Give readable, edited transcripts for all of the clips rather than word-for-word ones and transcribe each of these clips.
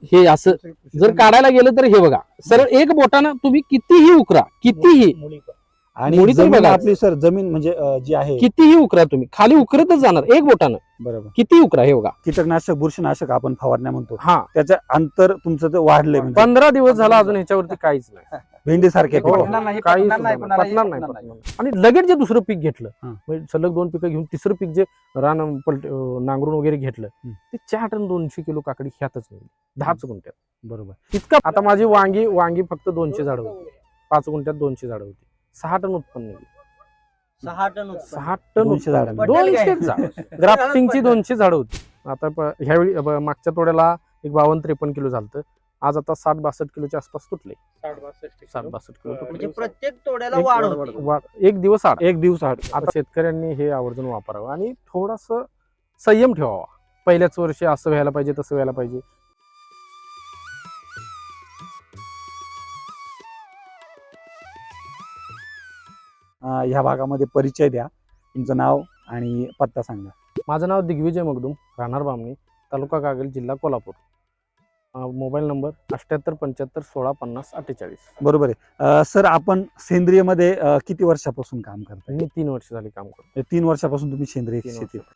हे असं जर काढायला गेलं तर हे बघा सरळ एक बोटानं तुम्ही कितीही उकरा, कितीही आणि मुळी तरी जमीन बघा. आपली सर जमीन म्हणजे जी आहे कितीही उकरा तुम्ही खाली उकरतच जाणार एक बोटानं. बरोबर किती उकरा हे बघा. कीटकनाशक बुरशीनाशक आपण फवारण्या म्हणतो हा त्याचं अंतर तुमचं ते वाढलंय म्हणजे 15 दिवस झाला अजून ह्याच्यावरती काहीच नाही. भेंडी सारखे हो, पटणार नाही, काही पटणार सुद्धा नाही, नाही, कोणालाही पटणार नाही, पटणार पटणार नाही. आणि लगेच जे दुसरं पीक घेतलं हा. म्हणजे सलग 2 पिकं घेऊन तिसरं पीक जे रान नांगरून वगैरे घेतलं ते 4 टन 200 किलो काकडी ह्यातच नाही 10 गुंठ्यात. बरोबर इतका आता माझी वांगी फक्त 200 झाडं होती, 5 गुंठ्यात 200 झाडं होती, 6 टन उत्पन्न निघालं. 6 टन 6 टन 200 झाडं. उत्पन्न. 200 झाड ग्राफ्टिंगची 200 झाडं होती. आता ह्यावेळी मागच्या तोड्याला एक 52-53 किलो झालं. आज आता 60-62 किलोच्या आसपास तुटले. 60-62 किलो म्हणजे तुटले. प्रत्येक तोड्याला वाढ होती. एक दिवस आड. एक दिवस आड आता शेतकऱ्यांनी हे आवर्जून वापरावं आणि थोडास संयम ठेवावा. पहिल्याच वर्षी असं व्हायला पाहिजे तसं व्हायला पाहिजे. ह्या भागामध्ये परिचय द्या, तुमचं नाव आणि पत्ता सांगा. माझं नाव दिग्विजय मगदूम, राहणार बामणी, तालुका कागल, जिल्हा कोल्हापूर. Mobile number 7875165048. बरोबर आहे. सर आपण सेंद्रिय मध्ये किती वर्षापासून काम करताय? मी 3 वर्ष झाली काम करतो. 3 वर्षापासून तुम्ही सेंद्रिय 3 शेती वर्ष.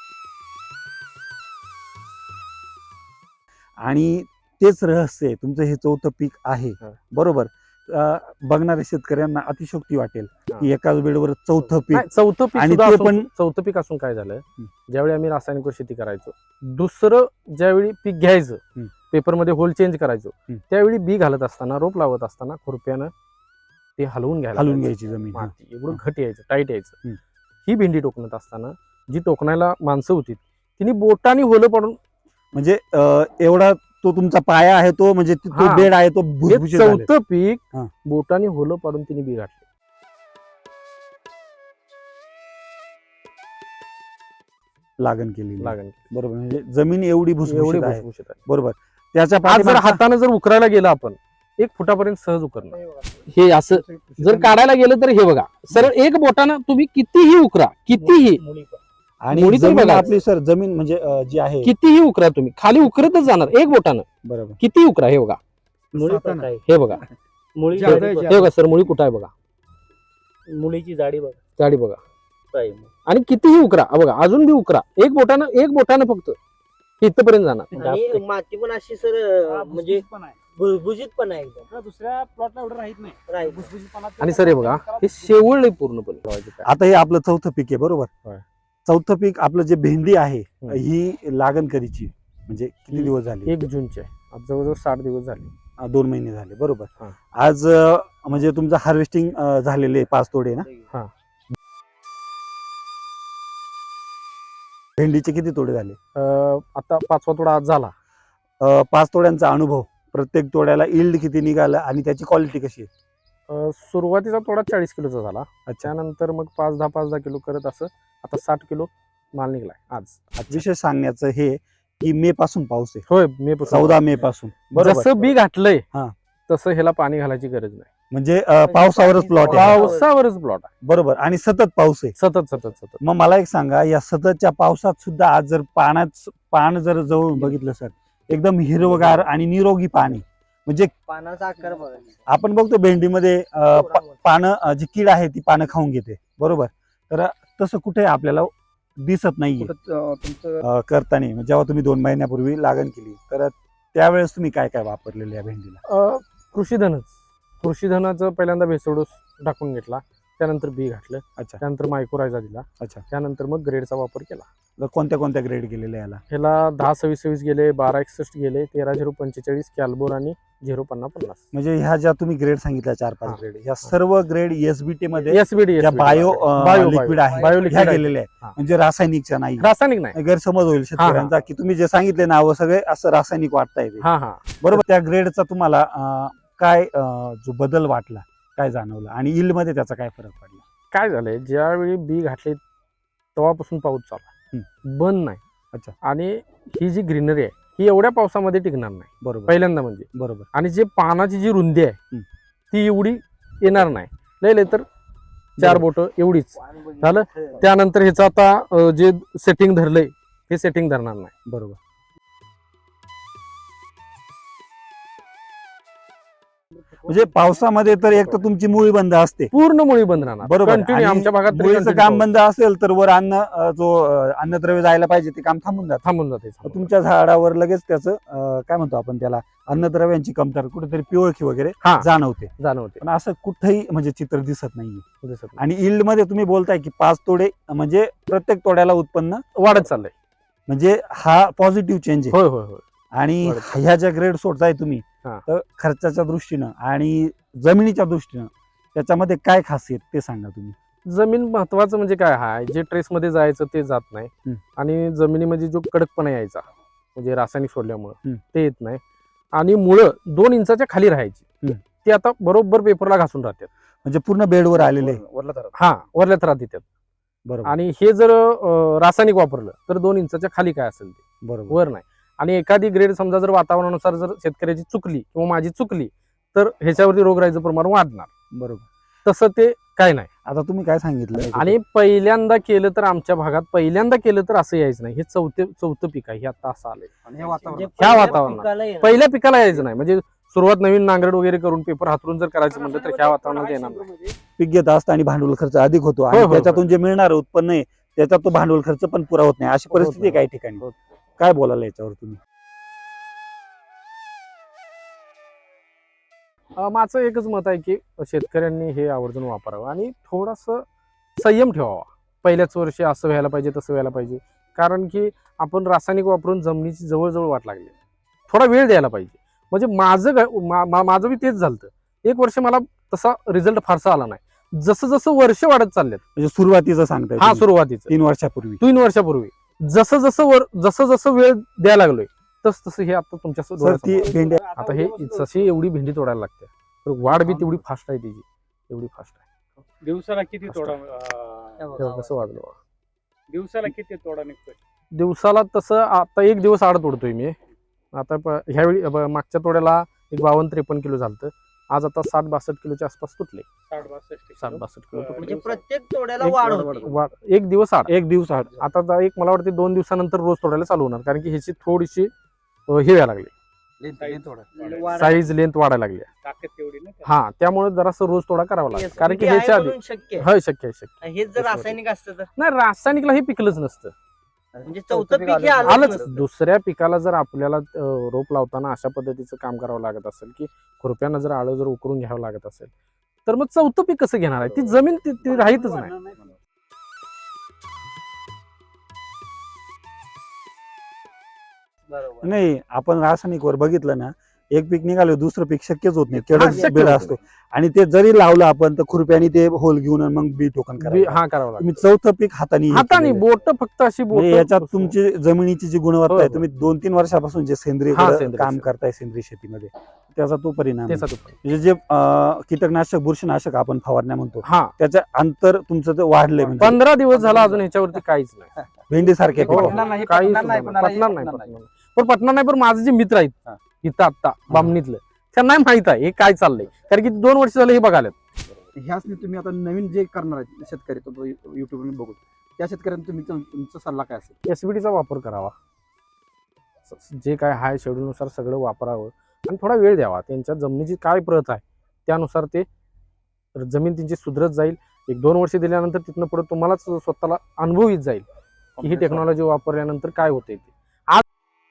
आणि तेच रहस्य आहे तुमचं हे 4थं पीक आहे. हा. बरोबर. बघणाऱ्या शेतकऱ्यांना अतिशोक्ती वाटेल हा. की एकाच बेडवर 4थं पीक नाही, चौथं पीक आणि सुद्धा ते असून- पण- चौथं पीक असून काय झालं ज्यावेळी आम्ही रासायनिक शेती करायचो, दुसरं ज्यावेळी पीक घ्यायचं पेपरमध्ये होल चेंज करायचो, त्यावेळी बी घालत असताना रोप लावत असताना खुरप्यानं ते हलवून हलवून घ्यायची जमीन. हा. माती एवढं घट यायचं, टाईट यायचं. हम्म. ही भेंडी टोकणत असताना जी टोकणायला माणसं होती तिने बोटाने होलं पडून म्हणजे एवढा तो तुमचा पाया आहे तो म्हणजे तो हा. बेड आहे तो हे भुसभुशीत झाले. चौथं पीक हा. बोटाने होलं पाडून तिने बी घातले. लागण केली लागण बरोबर. म्हणजे जमीन एवढी एवढी भुसभुशीत आहे. भुसभुशीत आहे. बरोबर. त्याच्या आज जर पाठीमागचा- हाताने जर उकरायला गेलं आपण 1 फुटापर्यंत सहज उकरणार. हे असं जर काढायला गेलं तर हे बघा सरळ एक बोटानं तुम्ही कितीही उकरा, कितीही आणि मुळी तरी जमीन बघा. आपली सर जमीन म्हणजे जी आहे कितीही उकरा तुम्ही खाली उकरतच जाणार एक बोटानं. बरोबर. किती उकरा हे बघा, मुळी पण आहे. हे बघा, मुळी जादा आहे, जाडी जादा. हे बघा सर मुळी कुठं आहे बघा, मुळीची जाडी बघ जाडी बघा. आहे. आणि कितीही उकरा बघा, अजून बी उकरा एक बोटानं फक्त इथपर्यंत जाणार. आणि माती पण अशी सर म्हणजे भुसभुशीत पण आहे एकदम. दुसऱ्या प्लॉटला एवढं राहत नाही राईट. भुसभुशीतपणा आणि सर हे बघा हे शेवळले पूर्णपणे. आता हे आपलं 4थं पीक आहे बरोबर. होय. 4थं पीक आपलं जे भेंडी आहे हम्म. ही लागण कधीची म्हणजे किती दिवस झाले? 1 जूनचे आहे. आज जवळजवळ 60 दिवस झाले. 2 महिने झाले बरोबर. हा. आज म्हणजे तुमचं हार्वेस्टिंग झालेले 5 तोडे ना. हा. भेंडीचे किती तोडे झाले? आता 5वा तोडा आज झाला. 5 तोड्यांचा अनुभव, प्रत्येक तोड्याला इल्ड किती निघाला आणि त्याची क्वालिटी कशी आहे? सुरुवातीचा तोडा 40 किलोचा झाला. त्यानंतर मग 5-10 किलो करत असं आता 60 किलो माल निघलाय आज. विशेष सांगण्याचं हे की मे पासून पाऊस आहे. होय मे 14 मे पासून बरोबर. जसं बी घातलंय हा. तसं ह्याला पाणी घालायची गरज नाही. म्हणजे पावसावरच प्लॉट आहे. पावसावरच प्लॉट आहे. बरोबर. आणि सतत पाऊस आहे. सतत मग मला एक सांगा, या सततच्या पावसात सुद्धा आज जर पान जर जवळ बघितलं सर एकदम हिरवगार आणि निरोगी पाणी, म्हणजे पानाचा आकार बघा. आपण बघतो भेंडीमध्ये पानं जी कीड आहे ती पानं खाऊन घेते बरोबर. तर तसं कुठे आपल्याला दिसत नाहीये तुमचं करताना. जेव्हा तुम्ही 2 महिन्यापूर्वी लागण केली तर त्यावेळेस तुम्ही काय काय वापरलेलं या भेंडीला? कृषीधनाचं पहिल्यांदा भेसोडोस टाकून घेतला, त्यानंतर बी घातलं, अच्छा त्यानंतर मायक्रोरायझा दिला, अच्छा. त्यानंतर मग ग्रेडचा वापर केला. तर कोणत्या कोणत्या ग्रेड गेलेल्या याला? ह्याला 10-26-26 गेले, 12-61 गेले, 13-0-45 कॅल्बोर आणि 0-50-50. म्हणजे ह्या ज्या तुम्ही ग्रेड सांगितल्या 4-5 हा. ग्रेड, ह्या सर्व ग्रेड एसबीटी मध्ये SBD ज्या बायो लिक्विड आहे बायो ह्या लिक्विड गेलेल्या हा. आहे, म्हणजे रासायनिकच्या नाही. रासायनिक नाही. गैरसमज होईल शेतकऱ्यांचा की तुम्ही जे सांगितले नाव सगळे असं रासायनिक वाटता येते हा हा बरोबर. त्या ग्रेडचा तुम्हाला काय जो बदल वाटला, काय जाणवलं आणि yield मध्ये त्याचा काय फरक पडला? काय झालंय, ज्यावेळी बी घातले तेव्हापासून पाऊस चालला, बंद नाही. अच्छा. आणि ही जी ग्रीनरी आहे ही एवढ्या पावसामध्ये टिकणार नाही बरोबर पहिल्यांदा म्हणजे. बरोबर. आणि जे पानाची जी रुंदी आहे हम्म. ती एवढी येणार नाही. लय तर 4 बोट एवढीच झालं. त्यानंतर ह्याचं आता जे सेटिंग धरलंय हे सेटिंग धरणार नाही. बरोबर. म्हणजे पावसामध्ये तर एक तर तुमची मुळी बंद असते, पूर्ण मुळी बंद राहणार बरोबर. कंटिन्यू आणि आमच्या भागात तरी मुळीचं continue काम पाऊस. बंद असेल तर वर अन्नद्रव्य जायला पाहिजे ते काम थांबून जातं. थांबून जाते तुमच्या झाडावर लगेच त्याचं काय म्हणतो आपण त्याला, अन्नद्रव्यांची कमतरता, कुठेतरी पिवळखी वगैरे हा. जाणवते. जाणवते पण असं कुठेही म्हणजे चित्र दिसत नाहीये. दिसत नाही. आणि yield मध्ये तुम्ही बोलताय की 5 तोडे म्हणजे प्रत्येक तोड्याला उत्पन्न, वाढत चाललंय. म्हणजे हा पॉझिटिव्ह चेंज आहे. होय होय होय आणि वाढत. ह्या ज्या ग्रेड सोडताय तुम्ही, हा. तर खर्चाच्या दृष्टीनं आणि जमिनीच्या दृष्टीनं त्याच्यामध्ये काय खासियत ते सांगा तुम्ही. जमीन महत्वाचं म्हणजे काय आहे, जे ट्रेस मध्ये जायचं ते जात नाही. हम्म. आणि जमिनीमध्ये जो कडकपणा यायचा म्हणजे रासायनिक सोडल्यामुळे हम्म. ते येत नाही. आणि मुळं 2 इंचाच्या खाली राहायची हम्म. ती आता बरोबर पेपरला घासून राहतात. म्हणजे पूर्ण बेडवर आलेले. हा वरल्या थरात येतात. बरोबर आणि हे जर रासायनिक वापरलं तर 2 इंचाच्या खाली काय असेल ते बरोबर. वर नाही. आणि एखादी ग्रेड समजा जर वातावरणानुसार जर शेतकऱ्याची चुकली किंवा माझी चुकली तर ह्याच्यावरती रोगराईचं प्रमाण वाढणार. बरोबर. तसं ते काय नाही. आता तुम्ही काय सांगितलं, आणि पहिल्यांदा केलं तर आमच्या भागात पहिल्यांदा केलं तर असं यायचं नाही. हे चौथं पीक आहे. हे आता असं आलंय. आणि हे वातावरण म्हणजे ह्या पहिल्या वातावरणात. पिकाला येणार. पहिल्या पिकाला यायचं नाही. म्हणजे सुरुवात नवीन नांगरट वगैरे करून पेपर हातरून जर करायचं म्हणलं तर ह्या वातावरणात येणार नाही. पीक घेत असतं आणि भांडवल खर्च अधिक होतो होय, आणि होय, त्याच्यातून जे मिळणार उत्पन्न आहे त्याच्यात तो भांडवल खर्च पण पुरा होत नाही, अशी होत परिस्थिती आहे नाही. काही ठिकाणी. होत. काय बोलायला याच्यावर तुम्ही. माझं एकच मत आहे की शेतकऱ्यांनी हे आवर्जून वापरावं आणि थोडंसं संयम ठेवावा. पहिल्याच वर्षी असं व्हायला पाहिजे तसं व्हायला पाहिजे. कारण की आपण रासायनिक वापरून जमिनीची जवळजवळ वाट लागली. थोडा वेळ द्यायला पाहिजे. म्हणजे माझं बी तेच झालं. 1 वर्ष मला तसा रिझल्ट फारसा आला नाही. जसं जसं वर्ष वाढत चाललेत. म्हणजे सुरुवातीचं सांगताय हा तुम्ही, सुरुवातीचं 3 वर्षापूर्वी. 3 वर्षापूर्वी जसं जसं वेळ द्यायला लागलोय तसं हे आता तुमच्या सर डोळ्यासमोर. ती भेंडी आता हे जशी एवढी भेंडी तोडायला लागते तर वाढ बी तेवढी फास्ट आहे त्याची. एवढी फास्ट आहे. दिवसाला किती तोडा तेव्हा कसं वाढलं बघा. दिवसाला किती तोडा निघतोय? दिवसाला तसं आता 1 दिवस आड तोडतोय मी. आता ह्यावेळी मागच्या तोड्याला एक 52-53 किलो झालं. आज आता 60-62 किलोच्या आसपास तुटले. 60-62 किलो तुटले. म्हणजे प्रत्येक तोड्याला वाढ होती. 1 दिवस आड. 1 दिवस आड. आता एक मला वाटतं 2 दिवसानंतर रोज तोडायला चालू होणार. कारण की ह्याची थोडीशी हे व्हायला लागली. साईज लेंथ वाढायला लागली. ताकद तेवढी ना. हा त्यामुळे जरासं रोज तोडा करावा लागेल. कारण की SBT ह्याच्या आहे आधी म्हणून शक्य आहे. होय शक्य आहे शक्य. हेच जर रासायनिक असतं तर नाही रासायनिकला हे पिकलंच नसतं. म्हणजे चौथं पीक हे आलंच. आलंच. दुसऱ्या पिकाला जर आपल्याला रोप लावताना अशा पद्धतीचं काम करावं लागत असेल की खुरप्यानं जर आळं जर उकरून घ्यावं लागत असेल तर मग चौथं पीक कसं घेणार आहे. ती जमीन ती राहीतच नाही. बरोबर. नाही, आपण रासायनिक वर बघितलं ना, एक पीक निघालं दुसरं पीक शक्यच होत नाही. हा, तेवढाच शक्य बेड होत असतो. आणि ते जरी लावलं आपण तर खुरप्याने ते होल घेऊन आणि मग बी टोकन करायचं. हा करावं लागतं. तुम्ही चौथं पीक हाताने हे हाताने केलेलं आहे. बोट फक्त अशी बोट. म्हणजे याच्यात तुमची जमिनीची जी गुणवत्ता हो, आहे, हो. तुम्ही 2-3 वर्षापासून जे सेंद्रिय हा, सेंद्रिय काम शेती. करताय सेंद्रिय शेतीमध्ये, त्याचा तो परिणाम आहे. त्याचा म्हणजे जे कीटकनाशक बुरशीनाशक आपण फवारण्या म्हणतो, हा त्याचं अंतर तुमचं ते वाढलंय. म्हणजे 15 दिवस झाला अजून ह्याच्यावरती काहीच नाही. भेंडी सारखे हो, पटणार नाही, काहीच पटणार नाही, नाही, कोणालाही पटणार नाही, पटणार पटणार नाही. पण पटणार नाही. पण माझे जे मित्र आहेत इथं आत्ता बामणीतलं त्यांना माहित आहे हे काय चाललंय. कारण की 2 वर्ष झाले हे बघायला. ह्याच तुम्ही आता नवीन जे करणार आहेत शेतकरी तो युट्यूबवर बघून त्या शेतकऱ्यांना तुम्ही तुमचा सल्ला काय असेल? एसबीटीचा वापर करावा. जे काय हाय शेड्यूलनुसार सगळं वापरावं आणि थोडा वेळ द्यावा. त्यांच्या जमिनीची काय प्रत आहे त्यानुसार ते जमीन त्यांची सुधरत जाईल. 1-2 वर्ष दिल्यानंतर तिथनं पुढे तुम्हालाच स्वतःला अनुभव येत जाईल की ही टेक्नॉलॉजी वापरल्यानंतर काय होते ते. आज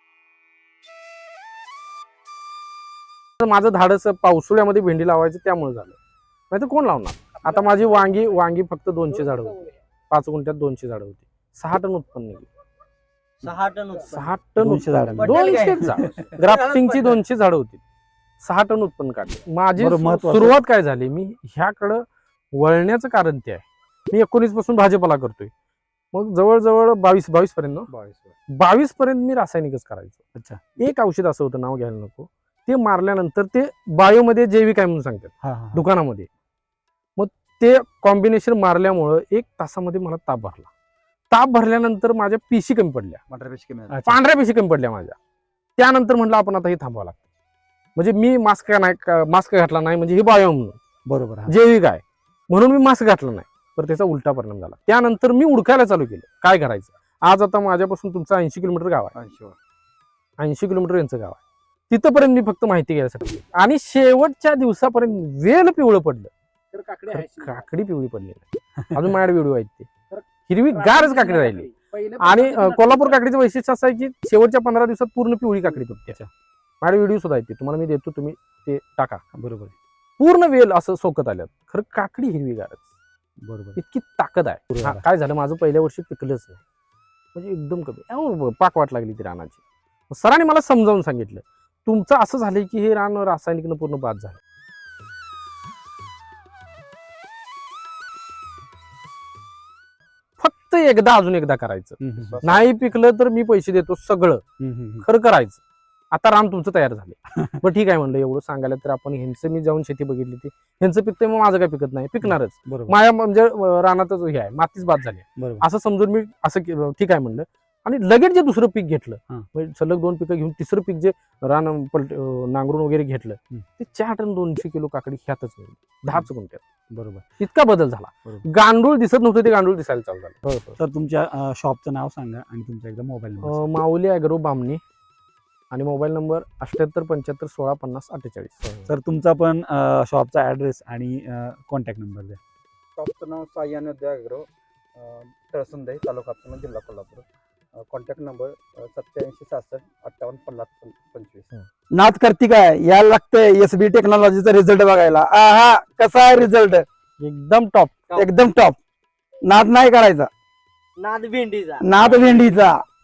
माझं धाडस पावसाळ्यामध्ये भेंडी लावायचं त्यामुळे झालं. नाही तर कोण लावणार. आता माझी वांगी फक्त 200 झाडं होती. 5 गुंठ्यात 200 झाडं होती. 6 टन उत्पन्न निघालं. 6 टन उत्पन्न. 6 टन 200 झाडं. उत्पन्न. 200 झाड. ग्राफ्टिंगची 200 झाडं होती. 6 टन उत्पन्न काढले. माझी बरं, महत्त्वाचं- सुरुवात काय झाली, मी ह्याकडं वळण्याचं कारण ते आहे. मी 19 पासून भाजीपाला करतोय. मग जवळजवळ 22 पर्यंत 22 पर्यंत मी रासायनिकच करायचो. अच्छा. एक औषध असं होतं, नाव घ्यायला नको, ते मारल्यानंतर ते बायोमध्ये जैविक आहे म्हणून सांगतात हा, हा. दुकानामध्ये. मग ते कॉम्बिनेशन मारल्यामुळं 1 तासामध्ये मला ताप भरला. ताप भरल्यानंतर माझ्या पेशी कमी पडल्या. अच्छा. पांढऱ्या पेशी कमी पडल्या माझ्या. त्यानंतर म्हटलं आपण आता हे थांबवावं लागतं. म्हणजे मी मास्क घातला नाही म्हणजे हे बायो म्हणून बरोबर. हा. जैविक आहे म्हणून मी मास्क घातला नाही. तर त्याचा उलटा परिणाम झाला. त्यानंतर मी उडकायला चालू केलं. काय करायचं. आज आता माझ्यापासून तुमचं 80 किलोमीटर गाव आहे. 80 किलोमीटर यांचं गाव आहे. तिथपर्यंत मी फक्त माहिती घ्यायसाठी आणि शेवटच्या दिवसापर्यंत वेल पिवळं पडलं. तर काकडे तर आहे काकडी पिवळी पडली नाही. अजून माझ्याकडे व्हिडिओ आहेत ते हिरवी गारच काकडी राहिली. आणि कोल्हापूर काकडीचं वैशिष्ट्य असं आहे की शेवटच्या 15 दिवसात पूर्ण पिवळी काकडी तुटते. माझे व्हिडिओ सुद्धा आहेत ते तुम्हाला मी देतो, तुम्ही ते टाका. बरोबर पूर्ण वेल असं सोकत आल्यात. खरं काकडी हिरवी गारच, बरोबर इतकी ताकद आहे. बरोबर. काय झालं माझं पहिल्या वर्षी पिकलंच नाही, म्हणजे एकदम कमी पाक वाट लागली ती रानाची. सरांनी मला समजावून सांगितलं तुमचं असं झालंय की हे रान रासायनिकनं पूर्ण बाद झालं. फक्त एकदा अजून एकदा करायचं. नाही पिकलं तर मी पैसे देतो सगळं, खरं करायचं. आता रान तुमचं तयार झाले. बरं ठीक आहे म्हणलं, एवढं सांगायला तर आपण ह्यांचं मी जाऊन शेती बघितली ती ह्यांचं पिकतंय मग माझं काय पिकत नाही, पिकणारच. बरोबर माझ्या म्हणजे रानातच हे आहे, मातीच बाद झाली बरोबर असं समजून मी असं ठीक आहे म्हणलं. आणि लगेच जे दुसरं पीक घेतलं, हा. म्हणजे सलग 2 पिकं घेऊन तिसरं पीक जे रान नांगरून वगैरे घेतलं, ते 4 टन 200 किलो काकडी ह्यातच मिळाली 10च गुंठ्यात. बरोबर. इतका बदल झाला. बरोबर. गांडूळ दिसत नव्हतं ते गांडूळ दिसायला चालू झालं. तर तुमच्या शॉपचं नाव सांगा आणि तुमचा एकदा mobile number. Mauli agro Bamani आणि मोबाईल नंबर 78 75 16 50 48. तर तुमचा पण शॉपचा ऍड्रेस आणि कॉन्टॅक्ट नंबर द्या. शॉपचं नाव साई आणि ॲग्रो, तळसंदे, तालुका हातकणंगले, जिल्हा कोल्हापूर. Contact number 87 66 58 50 25. नाद करती काय यायला लागतंय SB टेक्नॉलॉजीचा रिझल्ट बघायला. आहा कसा आहे रिझल्ट, एकदम टॉप. एकदम टॉप. नाद नाही करायचा, नाद भेंडीचा. नाद भेंडीचा.